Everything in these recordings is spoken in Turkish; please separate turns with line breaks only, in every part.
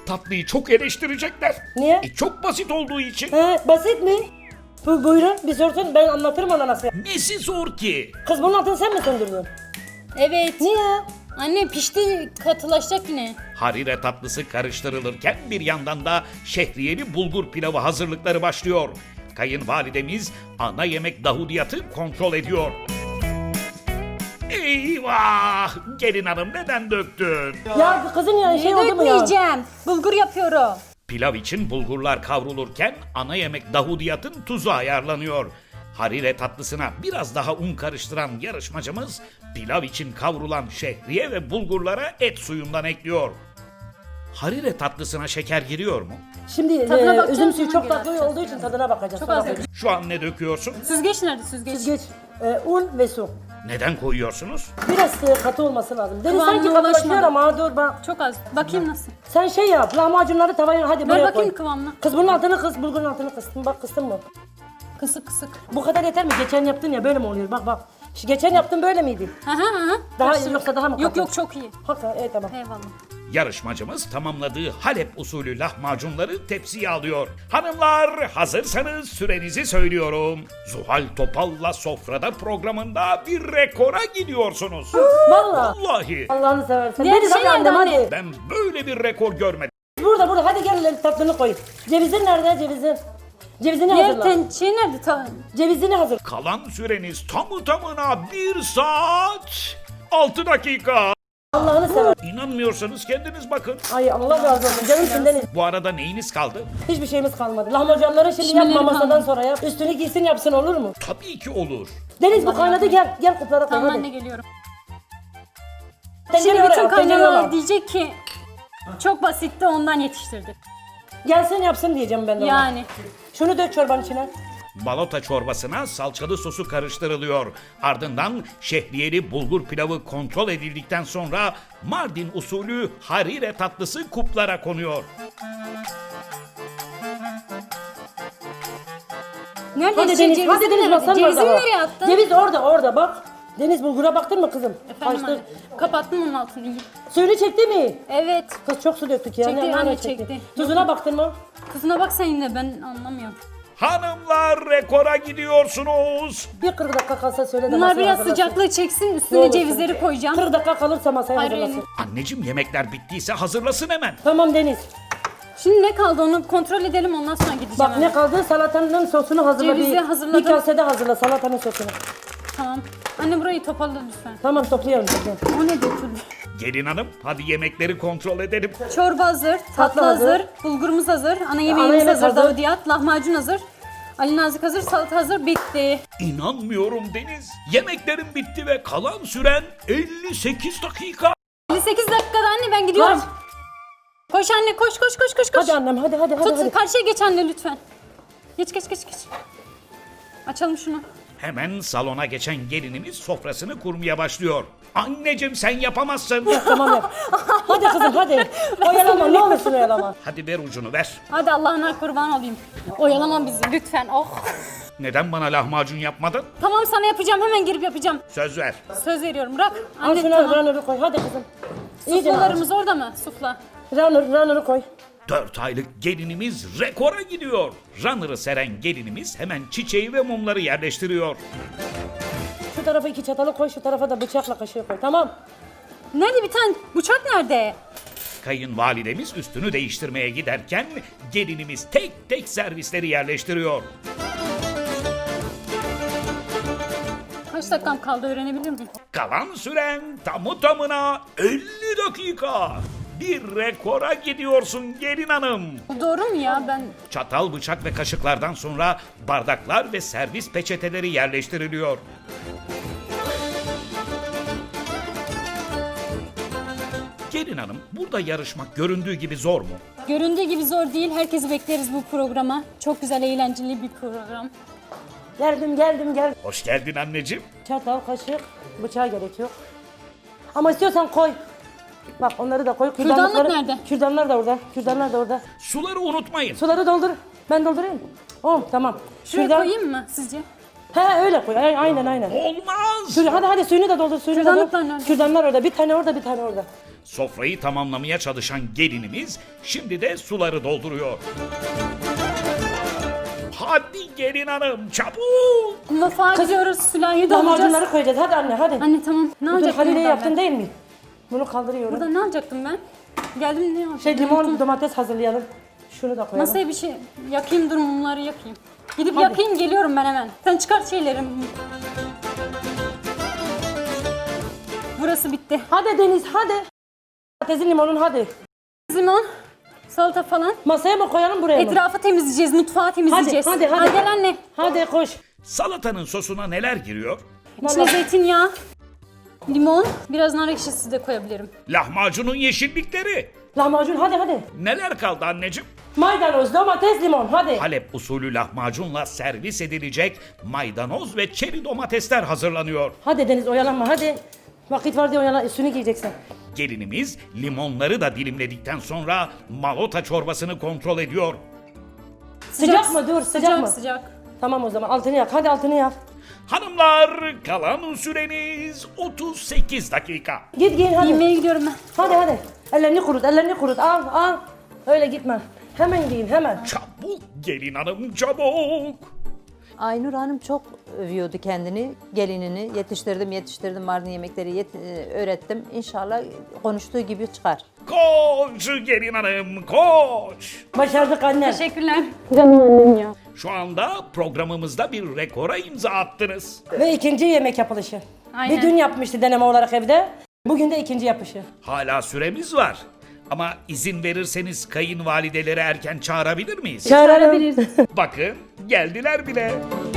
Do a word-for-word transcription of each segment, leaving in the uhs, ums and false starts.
tatlıyı çok eleştirecekler.
Niye?
E, çok basit olduğu için.
He, basit mi? Bu, buyurun bir sorsun, ben anlatırım ona nasıl.
Nesi zor ki?
Kız bunun altını sen mi söndürdün?
Evet.
Niye?
Anne pişti, katılaşacak yine.
Harire tatlısı karıştırılırken bir yandan da şehriyeli bulgur pilavı hazırlıkları başlıyor. Kayınvalidemiz ana yemek dahudiyatı kontrol ediyor. Eyvah! Gelin hanım neden döktün?
Ya kızın ya şey
Ne
oldu mu ya?
dökmeyeceğim? Bulgur yapıyorum.
Pilav için bulgurlar kavrulurken ana yemek dahudiyatın tuzu ayarlanıyor. Harire tatlısına biraz daha un karıştıran yarışmacımız pilav için kavrulan şehriye ve bulgurlara et suyundan ekliyor. Harire tatlısına şeker giriyor mu?
Şimdi
Tadına
e,
bakacağım,
üzüm suyu
sonra
çok
göre
tatlı
atacağız.
olduğu için tadına bakacağız.
Çok
sonra
az
bakacağız.
Şu an ne döküyorsun?
Süzgeç nerede süzgeç?
Süzgeç, e, un ve su.
Neden koyuyorsunuz?
Biraz e, katı olması lazım. Deniz
Kıvamına
sanki katılaşıyor
ulaşmadı.
ama dur bak.
Çok az. Bakayım nasıl.
Sen şey yap, lahmacunları tavaya hadi
Ver
buraya
bakayım
koy.
kıvamına.
Kız bunun altını kıs, bulgurun altını kıstın. Bak kıstın mı?
Kısık kısık.
Bu kadar yeter mi? Geçen yaptın ya böyle mi oluyor? Bak bak. Şu geçen yaptın böyle miydi?
Hı hı hı.
Daha
Karıştır.
yoksa daha mı
Yok
katı?
yok çok iyi.
Hakikaten evet tamam.
Eyvallah.
Yarışmacımız tamamladığı Halep usulü lahmacunları tepsiye alıyor. Hanımlar hazırsanız sürenizi söylüyorum. Zuhal Topal'la Sofrada programında bir rekora gidiyorsunuz.
Valla.
Vallahi
Allah'ını seversen.
Diğer
Deniz
şey
hadi annem
nerede anne?
hadi.
ben böyle bir rekor görmedim.
Burada burada hadi gel lan, tatlını koy. Cevizin nerede cevizin? Cevizini
Diğer
hazırla.
ten, şey nerede? Ta,
Cevizini hazır.
Kalan süreniz tamı tamına bir saat altı dakika.
Allah'ını sever.
İnanmıyorsanız kendiniz bakın.
Ay Allah razı olsun. Canımsın Deniz.
Bu arada neyiniz kaldı?
Hiçbir şeyimiz kalmadı. Lahmacunları şimdi
Pişmeleri
yapma masadan
kalmadı.
sonra yap. Üstünü giysin yapsın olur mu?
Tabii ki olur.
Deniz bu kaynadı gel. Gel kuplara koy
tamam
hadi.
anne geliyorum.
Tencere
Şimdi
oraya
bütün
at, tencere
kaynanalar
oraya.
diyecek ki çok basitti ondan yetiştirdik.
Gelsin yapsın diyeceğim ben de ona.
Yani.
Şunu dök çorbanın içine.
Balota çorbasına salçalı sosu karıştırılıyor. Ardından şehriyeli bulgur pilavı kontrol edildikten sonra Mardin usulü harire tatlısı kuplara konuyor.
Nerede
Hadi
şey,
Deniz,
cevizini
hadi Deniz
nerede?
masanın
Cevizini
orada.
nereye attın?
Ceviz orada orada bak. Deniz bulgura baktın mı kızım?
Efendim
Kaçtı.
anne. Kapattım onun altını iyi.
Suyunu çekti mi?
Evet.
Kız çok su döktük ya.
Çekti,
Ne- ne
anne,
çekti?
çekti.
Tuzuna baktın mı?
Kızına bak sen yine ben anlamıyorum.
Hanımlar rekora gidiyorsunuz.
Bir kırk dakika kalsa söyle de
Bunlar
masaya
biraz
hazırlasın.
sıcaklığı çeksin
Ne
üstüne
olursun.
cevizleri koyacağım.
kırk dakika kalırsa masaya
Hayır,
hazırlasın.
Anneciğim yemekler bittiyse hazırlasın hemen.
Tamam Deniz.
Şimdi ne kaldı onu kontrol edelim ondan sonra gideceğim.
Bak
hemen.
ne kaldı? Salatanın sosunu hazırla.
Cevizi
bir,
hazırladım.
bir kasede hazırla salatanın sosunu.
Tamam. Anne burayı toparla lütfen.
Tamam toplayalım. toplayalım.
O ne döküldü?
Gelin hanım hadi yemekleri kontrol edelim.
Çorba hazır, tatlı,
hazır.
hazır, bulgurumuz hazır, ana yemeğimiz
yemek
hazır,
hazır.
davudiyat, lahmacun hazır. Ali Nazik hazır, salata hazır, bitti.
İnanmıyorum Deniz. Yemeklerin bitti ve kalan süren elli sekiz dakika.
elli sekiz dakikada anne ben gidiyorum.
Kaç?
Koş anne koş koş koş koş koş.
Hadi annem hadi hadi hadi.
Tut
hadi.
karşıya geç anne lütfen. Geç geç geç geç. Açalım şunu.
Hemen salona geçen gelinimiz sofrasını kurmaya başlıyor. Anneciğim sen yapamazsın.
Tamam yap. Hadi kızım hadi. Oyalama ne olursun oyalama.
Hadi ver ucunu ver.
Hadi Allah'ına kurban olayım. Oyalama bizi lütfen. Oh.
Neden bana lahmacun yapmadın?
Tamam sana yapacağım hemen girip yapacağım.
Söz ver.
Söz veriyorum bırak.
Al
Anne
şunu
tamam.
runner'ı koy hadi kızım. İyice
Suflalarımız orada mı? Sufla.
runner, runner'ı koy.
Dört aylık gelinimiz rekora gidiyor. Runner'ı seren gelinimiz hemen çiçeği ve mumları yerleştiriyor.
Şu tarafa iki çatalı koy şu tarafa da bıçakla kaşığı koy tamam.
Nerede bir tane bıçak nerede?
Kayınvalidemiz üstünü değiştirmeye giderken gelinimiz tek tek servisleri yerleştiriyor.
Kaç dakikam kaldı öğrenebilir miyim?
Kalan süren tamı tamına elli dakika. Bir rekora gidiyorsun gelin hanım.
Bu doğru mu ya ben?
Çatal, bıçak ve kaşıklardan sonra bardaklar ve servis peçeteleri yerleştiriliyor. Gelin hanım, burada yarışmak göründüğü gibi zor mu?
Göründüğü gibi zor değil. Herkesi bekleriz bu programa. Çok güzel, eğlenceli bir program.
Geldim geldim gel.
Hoş geldin anneciğim.
Çatal kaşık bıçağa gerek yok. Ama istiyorsan koy. Bak onları da koy.
Kürdanlık
Kürdanlıkları-
nerede?
Kürdanlar da orada. Kürdanlar da orada.
Suları unutmayın.
Suları doldur. Ben doldurayım. Oh tamam.
Şuraya
Kürdan-
koyayım mı sizce?
He öyle koy. Ay- Aynen aynen.
Olmaz.
Suyunu- hadi hadi suyunu da doldur. Suyunu da
Kürdanlıklar
doldur.
nerede?
Kürdanlar orada. Bir tane orada bir tane orada.
Sofrayı tamamlamaya çalışan gelinimiz şimdi de suları dolduruyor. Hadi gelin hanım çabuk.
Mutfağa gidiyoruz. Sülahiyi dolduracağız.
Lahmacunları koyacağız. Hadi anne hadi.
Anne tamam. Ne
Dur
alacaktım
Halil'e
buradan
yaptın
ben?
değil mi? Bunu kaldırıyorum.
Burada ne alacaktım ben? Geldim ne alacaktım?
Şey limon,
Unuttum.
domates hazırlayalım. Şunu da koyalım.
Masaya bir şey yakayım, dur mumları yakayım. Gidip
Hadi.
yakayım, geliyorum ben hemen. Sen çıkart şeyleri. Burası bitti.
Hadi Deniz hadi. Domatesin limonun hadi.
Limon, salata falan.
Masaya mı koyalım buraya mı?
Etrafı temizleyeceğiz, mutfağı temizleyeceğiz.
hadi, hadi.
Ha, gel anne.
Hadi koş.
Salatanın sosuna neler giriyor?
İçine
Vallahi-
zeytinyağı, limon, biraz nar ekşisi de koyabilirim.
Lahmacunun yeşillikleri.
Lahmacun hadi hadi.
Neler kaldı anneciğim?
Maydanoz, domates, limon hadi.
Halep usulü lahmacunla servis edilecek maydanoz ve çeri domatesler hazırlanıyor.
Hadi Deniz oyalanma hadi. Vakit var diye oyalan üstünü giyeceksin.
Gelinimiz limonları da dilimledikten sonra malota çorbasını kontrol ediyor.
Sıcak, mı? Dur sıcak,
Sıcak
mı?
sıcak.
Tamam o zaman altını yak. Hadi altını yak.
Hanımlar kalan süreniz otuz sekiz dakika.
Git giyin hadi.
Yemeğe gidiyorum ben.
Hadi hadi. Ellerini kurut, ellerini kurut. Al al. Öyle gitme. Hemen giyin hemen.
Çabuk gelin hanım çabuk.
Aynur Hanım çok övüyordu kendini, gelinini. Yetiştirdim, yetiştirdim, Mardin yemekleri yet- e, öğrettim. İnşallah konuştuğu gibi çıkar.
Koş gelin hanım koş.
Başardık anne.
Teşekkürler. Canım annem ya.
Şu anda programımızda bir rekora imza attınız.
Ve ikinci yemek yapılışı.
Aynen.
Bir dün yapmıştı deneme olarak evde. Bugün de ikinci yapışı.
Hala süremiz var. Ama izin verirseniz kayınvalideleri erken çağırabilir miyiz?
Çağıralım.
Bakın geldiler bile.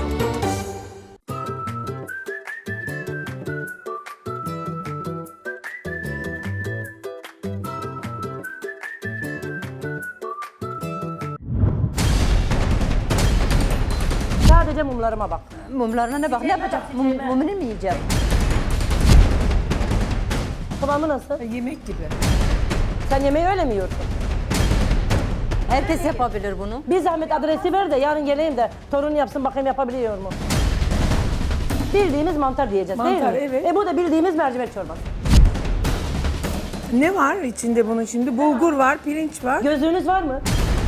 Sadece mumlarıma bak.
Mumlarına ne bak, ne yapacak? Mum, mumunu mu yiyeceğim?
Kıvamı nasıl?
Yemek gibi.
Sen yemeği öyle mi yiyorsun?
Herkes yapabilir bunu.
Bir zahmet adresi ver de yarın geleyim de torun yapsın bakayım yapabiliyor mu? Bildiğimiz mantar diyeceğiz
Mantar,
değil mi?
evet.
E bu da bildiğimiz mercimek çorbası.
Ne var içinde bunun şimdi? Bulgur var, pirinç var.
Gözlüğünüz var mı?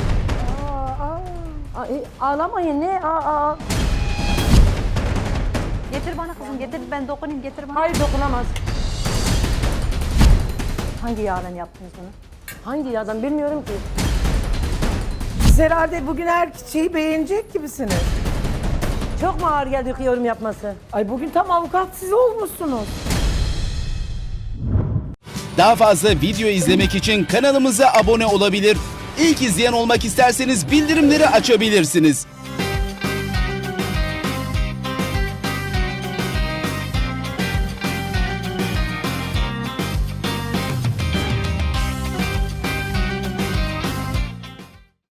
Aa, e, ağlamayın ne? Aa, aa.
Getir bana kızım, getir ben dokunayım, getir bana.
Hayır dokunamaz.
Hangi yağdan yaptınız bunu?
Hangi yağdan bilmiyorum ki.
Siz herhalde bugün her şeyi beğenecek gibisiniz.
Çok mu ağır geldi yorum yapması?
Ay bugün tam avukat siz olmuşsunuz.
Daha fazla video izlemek için kanalımıza abone olabilir. İlk izleyen olmak isterseniz bildirimleri açabilirsiniz.